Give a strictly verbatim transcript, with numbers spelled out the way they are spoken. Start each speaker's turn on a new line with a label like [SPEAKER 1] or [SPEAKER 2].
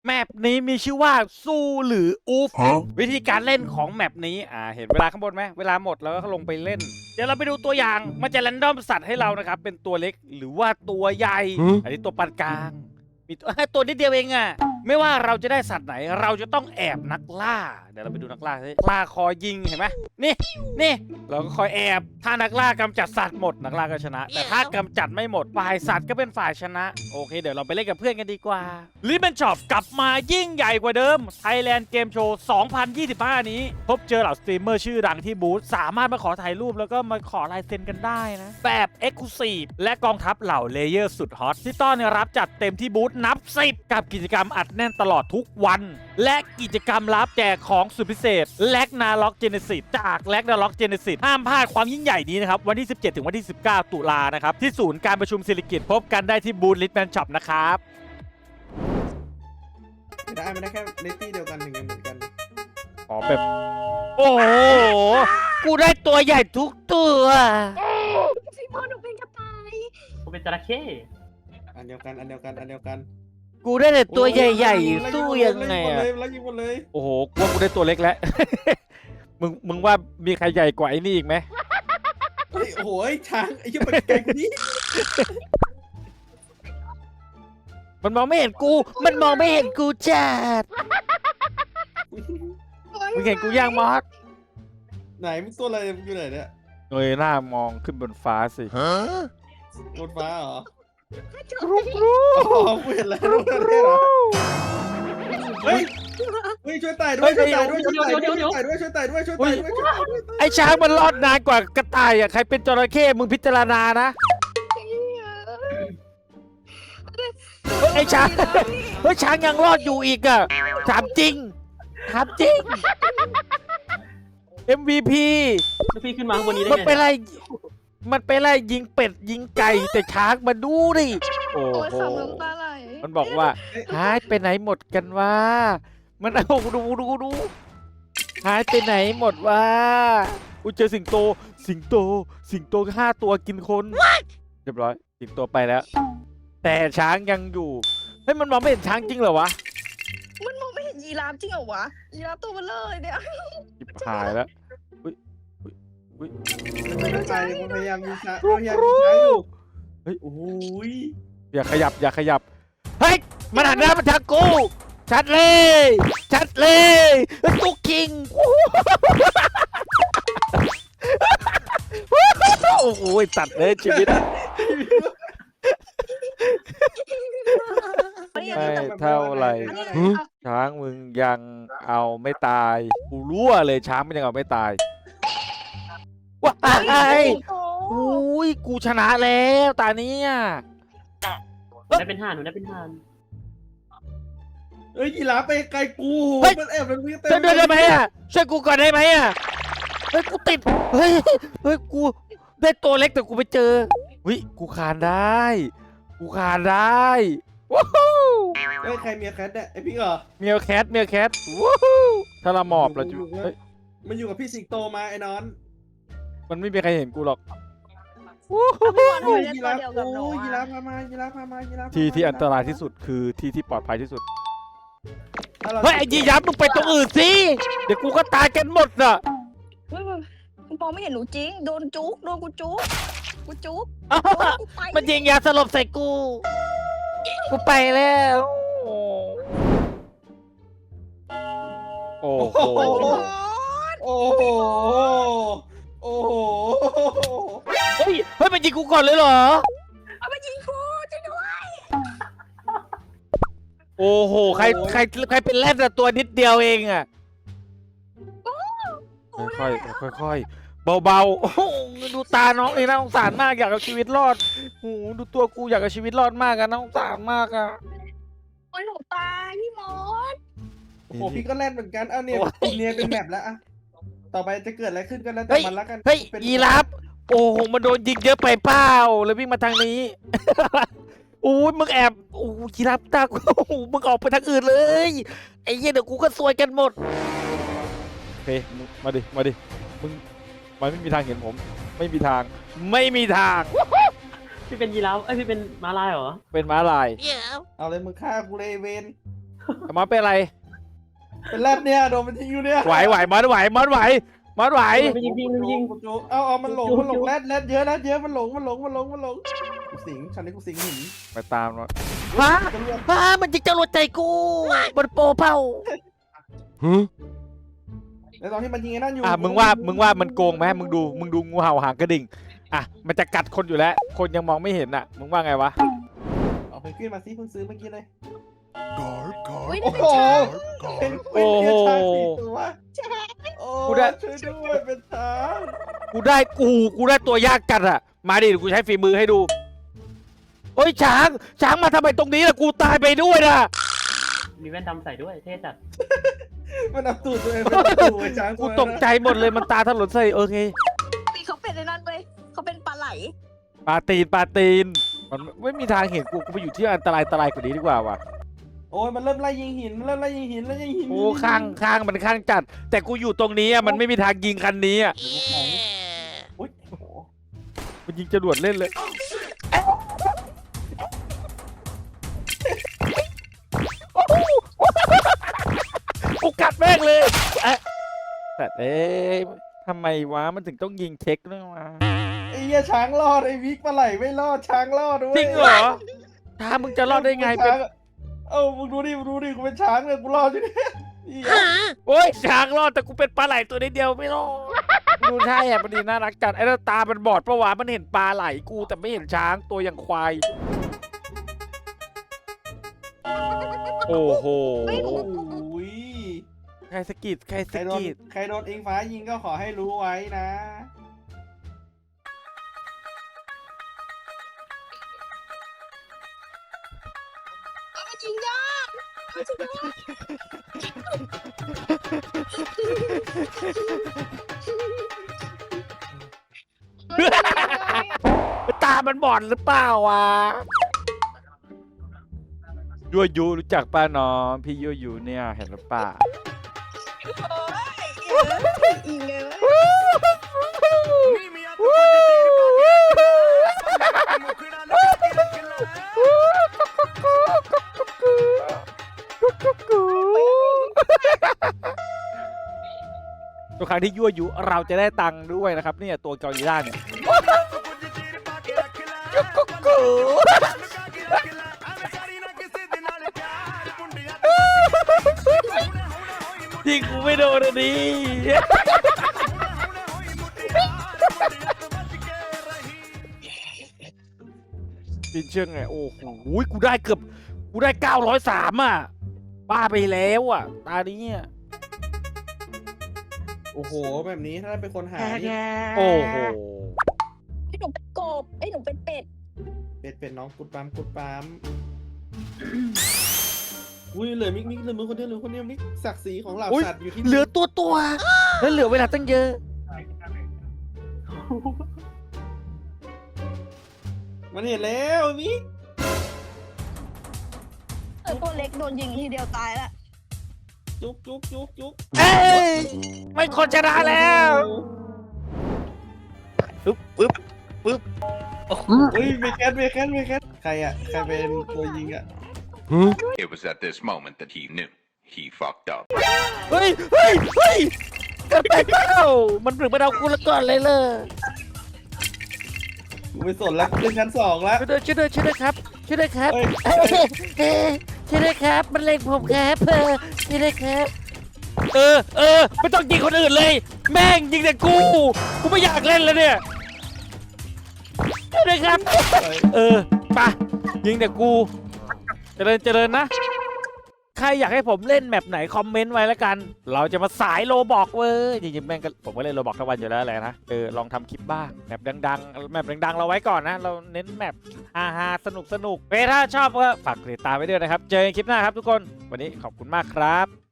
[SPEAKER 1] แมปนี้มีชื่อว่าสู้หรืออูฟวิธีการเล่นของแมปนี้อ่าเห็นเวลาข้างบนไหมเวลาหมดแล้วก็ลงไปเล่นเดี๋ยวเราไปดูตัวอย่างมันจะแรนดอมสัตว์ให้เรานะครับเป็นตัวเล็กหรือว่าตัวใหญ่อันนี้ตัวปานกลางมีตัวตัวนิดเดียวเองอะไม่ว่าเราจะได้สัตว์ไหนเราจะต้องแอบนักล่าเดี๋ยวเราไปดูนักล่าสิล่าคอยยิงเห็นไหมนี่นี่เราก็คอยแอบถ้านักล่ากำจัดสัตว์หมดนักล่าก็ชนะแต่ถ้ากำจัดไม่หมดฝ่ายสัตว์ก็เป็นฝ่ายชนะโอเคเดี๋ยวเราไปเล่นกับเพื่อนกันดีกว่าลิเบนช็อปกลับมายิ่งใหญ่กว่าเดิม Thailand Game Show สองพันยี่สิบห้า นี้พบเจอเหล่าสตรีมเมอร์ชื่อดังที่บูธสามารถมาขอถ่ายรูปแล้วก็มาขอลายเซ็นกันได้นะแบบ Exclusive และกองทัพเหล่าเลเยอร์สุดฮอตที่ต้อนรับจัดเต็มที่บูธนับสิบกับกิจกรรมอัดแน่นตลอดทุกวันและกิจกรรมลับแจกของสุดพิเศษแลกนาล็อกเจเนซิสจากแลกนาล็อกเจเนซิสห้ามพลาดความยิ่งใหญ่นี้นะครับวันที่สิบเจ็ดถึงวันที่สิบเก้าตุลานะครับที่ศูนย์การประชุมศิริกิติ์พบกันได้ที่บูธลิทแมนช็อปนะครับ
[SPEAKER 2] ไม่ได้ไม่ได้แค่เลตี้เดียวกันหนึ่งเหมือนกัน
[SPEAKER 1] อ๋อแบบโอ้โหกูได้ตัวใหญ่ทุกตัว
[SPEAKER 3] ซีโมหนูเป็นกระต่าย
[SPEAKER 4] ผมเป็นจระเข้
[SPEAKER 2] อันเดียวกันอันเดียวกันอันเดียวกัน
[SPEAKER 1] กูได้แต่ตัวใหญ่ๆสู้ยังไงอะ
[SPEAKER 2] แล้วยิงหมดเลย
[SPEAKER 1] โอ้โหกูว่ากูได้ตัวเล็กแล้ว มึงมึงว่ามีใครใหญ่กว่าไอ้นี่อีกไหม
[SPEAKER 2] เฮ้ยโอ้โหช้างไอ้ยี่ปันไก่คนนี้
[SPEAKER 1] มันมองไม่เห็นกู มันมองไม่เห็นกูจัดมึงเห็นกูย่างมอส
[SPEAKER 2] ไหนมึงตัวอะไรมึงอยู่ไหนเนี่ย
[SPEAKER 1] เงยหน้ามองขึ้นบนฟ้าสิ
[SPEAKER 2] บนฟ้าเหรอ
[SPEAKER 1] กรุ๊กรุ๊
[SPEAKER 2] อ๋อกูเห็นแล้วรู้แล้วเนี่ยเหรอเฮ้ยเฮ้ยช่วยไต่ด้วยช่วยไต่ด้วยช่วยไต่ด้วยช่วยไต่ด้วยช่วยไต่ด้วยช่วยไต่ด้วยช่วยไต่ด้วย
[SPEAKER 1] ไอ้ช้างมันรอดนานกว่ากระต่ายอ่ะใครเป็นจระเข้มึงพิจารณานะเฮ้ยไอ้ช้างเฮ้ยช้างยังรอดอยู่อีกอ่ะถามจริงถามจริง เอ็ม วี พี
[SPEAKER 4] แล้วพี่ขึ้นมาข้างบนนี้ได้
[SPEAKER 1] มัน
[SPEAKER 4] ไง
[SPEAKER 1] เป็นไรมันเป็นไรยิงเป็ดยิงไก่แต่ช้างมาดูดิโอ้
[SPEAKER 3] โอ้ย
[SPEAKER 1] โห
[SPEAKER 3] ขำน้ำตาไหล
[SPEAKER 1] มันบอกว่าหายไปไหนหมดกันวะมันเอาดูดูดูหายไปไหนหมดวะกูเจอสิงโตสิงโตสิงโตห้าตัวกินคนเรียบร้อยสิงโตไปแล้ว แต่ช้างยังอยู่เฮ้ยมันมองไม่เห็นช้างจริงเหรอวะ
[SPEAKER 3] มันมองไม่เห็นยีราฟจริงเหรอวะยีราฟตัวเบลอเลยเนี่ย
[SPEAKER 1] จิบหายแล้วอุ้ยอุ้ย
[SPEAKER 2] ไม่ได้ไต่มันพยายามยิงช้างพยายามยิงช้างอยู่
[SPEAKER 1] เฮ้ย
[SPEAKER 2] โอ้ย
[SPEAKER 1] อย่าขยับอย่าขยับเฮ้ยมันหันหน้ามาทางกูชัดเลยชัดเลยตุ๊กคิงโอ้โหตัดเลยชีวิตไม่เท่าไหร่ช้างมึงยังเอาไม่ตายกูรู้เลยช้างมันยังเอาไม่ตายว้ายอุ้ยกูชนะแล้วตานี้
[SPEAKER 4] หนูได้เป็นห่านหนูได้เป็นห่าน
[SPEAKER 2] เอ้ยยีราฟไปไกลกูมันแอบมันวิ่งเต็ม
[SPEAKER 1] ช่วยด้วยได้ไหมอ่ะช่วยกูก่อนได้ไหมอ่ะเฮ้ยกูติดเฮ้ยเฮ้ยกูได้ตัวเล็กแต่กูไปเจอวิกูคานได้กูคานได้ว้าว
[SPEAKER 2] เฮ้ยใครเมียแคทเนี่ยไอพี่เหรอ
[SPEAKER 1] เมียวแคทเมียวแคทว้าวถ้าเราหมอบเราจะเฮ้ย
[SPEAKER 2] มันอยู่กับพี่สิงโตมาไอ้นอน
[SPEAKER 1] มันไม่มีใครเห็นกูหรอก
[SPEAKER 2] โอ้ยยีราฟโอ้ยยีราฟพามายีราฟพามายีราฟ
[SPEAKER 1] ที่ที่อันตรายที่สุดคือที่ที่ปลอดภัยที่สุดเฮ้ยไอ้ยียับมึงไปตรงอื่นสิเดี๋ยวกูก็ตายกันหมดอ่ะ
[SPEAKER 3] เฮ้ยมันมองไม่เห็นหนูจริงโดนจุกโดนกูจุกกูจุกกูไป
[SPEAKER 1] มันยิงยาสลบใส่กู กูไปแล้วโอ้โห
[SPEAKER 2] โอ้โหโอ้โห
[SPEAKER 1] เฮ้ยเฮ้ยมันยิงกูก่อนเลยเหรอ
[SPEAKER 3] เอาไปยิงกูช่วยด้วย
[SPEAKER 1] โอ้โหใครใครใครเป็นแรดแต่ตัวนิดเดียวเองอ่ะค่อยค่อยค่อยๆเบาๆโอ้โหดูตาน้องเลยน่าสงสารมากอยากเอาชีวิตรอดโอ้โหดูตัวกูอยากเอาชีวิตรอดมากอะน่าสงสารมากอะ
[SPEAKER 3] โอ้ยหนูตายพี่มด
[SPEAKER 2] โอ้โหพี่ก็แล่นเหมือนกันเอาเนี่ยคุณเนียเป็นแมปแล้วอะต่อไปจะเกิดอะไรขึ้นก็แล้วแต่
[SPEAKER 1] เฮ้ย
[SPEAKER 2] มันละกัน
[SPEAKER 1] เฮ้ยยีราฟโอ้โหมันโดนยิงเยอะไปเปล่าเลยวิ่งมาทางนี้ โอ้ยมึงแอบโอ้ยีราฟตากูโอ้โหมึงออกไปทางอื่นเลยไอ้เหี้ยเดี๋ยวกูก็ซวยกันหมดโอเคมึงมาดิมาดิมึงมันไม่มีทางเห็นผม ไม่มีทางไม่มีทาง
[SPEAKER 4] พี่เป็นยีราฟเอ้ยพี่เป็นม้าลายเหรอ
[SPEAKER 1] เป็นม้าลาย
[SPEAKER 2] เอาเลยมึงฆ่ากูเลยเวน
[SPEAKER 1] มอสเป็นอะไร
[SPEAKER 2] เป็นแรดเนี่ยโดนมันทิ้งอยู่เนี่ย
[SPEAKER 1] ไหวไหวมอสไหวมอสไหวมอสไหว
[SPEAKER 4] ไปยิงพี่ไปยิง
[SPEAKER 2] กูจุกเอาเอามันหลงมันหลงแรดแรดเยอะแรดเยอะมันหลงมันหลงมันหลงมันหลงกูสิงฉันนี่กูสิงหิน
[SPEAKER 1] ไปตามมอส
[SPEAKER 5] ฮะ
[SPEAKER 2] ตำรวจ
[SPEAKER 5] ฮะมันจิกจรวดใจกูมันโปเป้า
[SPEAKER 2] ในตอนที่มันยิงไอ้นั่นอยู่
[SPEAKER 1] อ่ะมึงว่ามึงว่ามันโกงไหมมึงดูมึงดูงูเห่าหางกระดิ่งอ่ะมันจะกัดคนอยู่แล้ว คนยังมองไม่เห็นอ่ะมึงว่าไงวะ
[SPEAKER 2] เอาเพนกวินมาสิเพิ่งซื้อเมื่อกี้เลย
[SPEAKER 3] อุ้ย
[SPEAKER 2] โอ้
[SPEAKER 3] นี่
[SPEAKER 2] โห
[SPEAKER 3] เป็นช้าง
[SPEAKER 2] เพนกวินเนี่ยช้างสี่ตัวโอ้
[SPEAKER 1] กูได้
[SPEAKER 2] ช่วยด้วยเป็นช้าง
[SPEAKER 1] กูได้กูกูได้ตัวยากจัดอ่ะมาดิเดี๋ยวกูใช้ฝีมือให้ดูโอ้ยช้างช้างมาทำไมตรงนี้ล่ะกูตายไปด้วยนะ
[SPEAKER 4] มีแว่นดำใส่ด้วยเท่จัด
[SPEAKER 2] มันเอาตูดตัวเองเป็นประตูไอ้ช้าง
[SPEAKER 1] กูตกใจหมดเลยมันตาถลนใส่โอเค
[SPEAKER 3] ปีเขาเป็นในนั้นเว้ยเขาเป็นปลาไหล
[SPEAKER 1] ปลาตีนปลาตีนมันไม่มีทางเห็นกูกูไปอยู่ที่อันตรายอันตรายกว่านี้ดีกว่าว่ะ
[SPEAKER 2] โอ้ยมันเริ่มไล่ยิงหินมันเริ่มไล่ยิงหินแล้วยิงหิน
[SPEAKER 1] โอ้ข้างข้างมันข้างจัด แต่กูอยู่ตรงนี้อ่ะมันไม่มีทางยิงคันนี้อ่ะ
[SPEAKER 2] อุ้ยโอ้โห
[SPEAKER 1] มันยิงจรวดเล่นเลยกูกัดแม่งเลยเอ๊ะแต่เอ๊ะทำไมวะมันถึงต้องยิงเช็คด้วยวะ
[SPEAKER 2] ไอ้เหี้ยช้างรอดไอ้วิกปลาไหลไม่รอดช้างรอดด้วย
[SPEAKER 1] จริงเหรอถ้ามึงจะรอดได้ไงเป็น
[SPEAKER 2] ช้าเอ้ามึงดูดิมึงดูดิกูเป็นช้างเลยกูรอดอยู่เนี่ยนี่ไง
[SPEAKER 1] โอ้ยช้างรอดแต่กูเป็นปลาไหลตัวนิดเดียวไม่รอดดูใช่อ่ะมันดีน่ารักจัดไอ้แล้วตามันบอดปะวะมันเห็นปลาไหลกูแต่ไม่เห็นช้างตัวอย่างควายโอ้โห
[SPEAKER 2] โอ้ย
[SPEAKER 1] ใครสะกิดใคร
[SPEAKER 2] ใคร
[SPEAKER 1] สะ
[SPEAKER 2] โดน
[SPEAKER 1] กิด
[SPEAKER 2] ใครโดนอิงฟ้ายิงก็ขอให้รู้ไว้นะ
[SPEAKER 3] เอาจริงยากเอาจริงยาก
[SPEAKER 1] ตามันบอดหรือเปล่าวะยั่วยุรู้จักป้าน้องพี่ยั่วยุเนี่ยเห็นหรือเปล่า
[SPEAKER 3] โอ้ยอิงเลยเว้ย
[SPEAKER 1] ทุกครั้งที่ยั่วยุเราจะได้ตังค์ด้วยนะครับเนี่ยตัวเกาหลีล่าเนี่ยจริงกูไม่โดนอันนี้ปินเชื่องไงโอ้โหกูได้เกือบกูได้เก้าร้อยสามอ่ะบ้าไปแล้วอ่ะตานี้อ่ะ
[SPEAKER 2] โอ้โหแบบนี้ถ้าเป็นคนหานี่
[SPEAKER 1] โอ้โห
[SPEAKER 3] ไอ้หนูเป็นกบไอ้หนูเป็นเป็ด
[SPEAKER 2] เป็ดเป็ดน้องกุดปั๊มกุดปั๊มอุ้ยเหลือมิกมิกเหลือมือคนเดียวเหลือคนเดียวมิกศักดิ์ศรีของเหล่า
[SPEAKER 1] อุ๊ย
[SPEAKER 2] สัตว์อยู่ที่
[SPEAKER 1] เหลือตัวตัวแล้วเหลือเวลาตั้งเยอะ
[SPEAKER 2] มันเห็นแล้วมิก
[SPEAKER 3] เออตัวเล็กโดนยิงทีเดียวตายละ
[SPEAKER 2] จุกจุกจุกจุก
[SPEAKER 1] เอ้ยไม่คนชนะแล้ว
[SPEAKER 5] ปึ๊บปึ๊บปึ๊บ
[SPEAKER 2] เฮ้ยเมแคทเมแคทเมแคทใครอ่ะใครเป็นตัวยิงอ่ะ
[SPEAKER 6] It was at this moment that he knew he fucked up.
[SPEAKER 1] เฮ้ยเฮ้ยเฮ้ยเกิดไปเปล่ามันถึงมาเอากูละก่อนเลยเลย
[SPEAKER 2] กูไม่สนแล้วขึ้นชั้นสองแล้ว
[SPEAKER 1] ช่วยด้วยช่วยด้วยช่วยด้วยครับช่วยด้วยครับ
[SPEAKER 2] เฮ้ย
[SPEAKER 1] เอ้ยเอ้ยช่วยด้วยครับมันเล็งผมครับเออช่วยด้วยครับเออเออไม่ต้องยิงคนอื่นเลย แม่งยิงแต่กูกูไม่อยากเล่นแล้วเนี่ยช่วยด้วยครับ เออไปะยิงแต่กูเจริญเจริญนะ ใครอยากให้ผมเล่นแมปไหนคอมเมนต์ไว้แล้วกัน เราจะมาสายโลบอกเว้ยจริงๆแม่งก็ผมก็เล่นโลบอกทั้งวันอยู่แล้วแหละนะเออลองทำคลิปบ้างแมปดังๆแมปดังๆเราไว้ก่อนนะ เราเน้นแมปฮาๆสนุกสนุกเถ้าชอบก็ฝากกดติดตามไว้ด้วยนะครับ เจอกันคลิปหน้าครับทุกคนวันนี้ขอบคุณมากครับ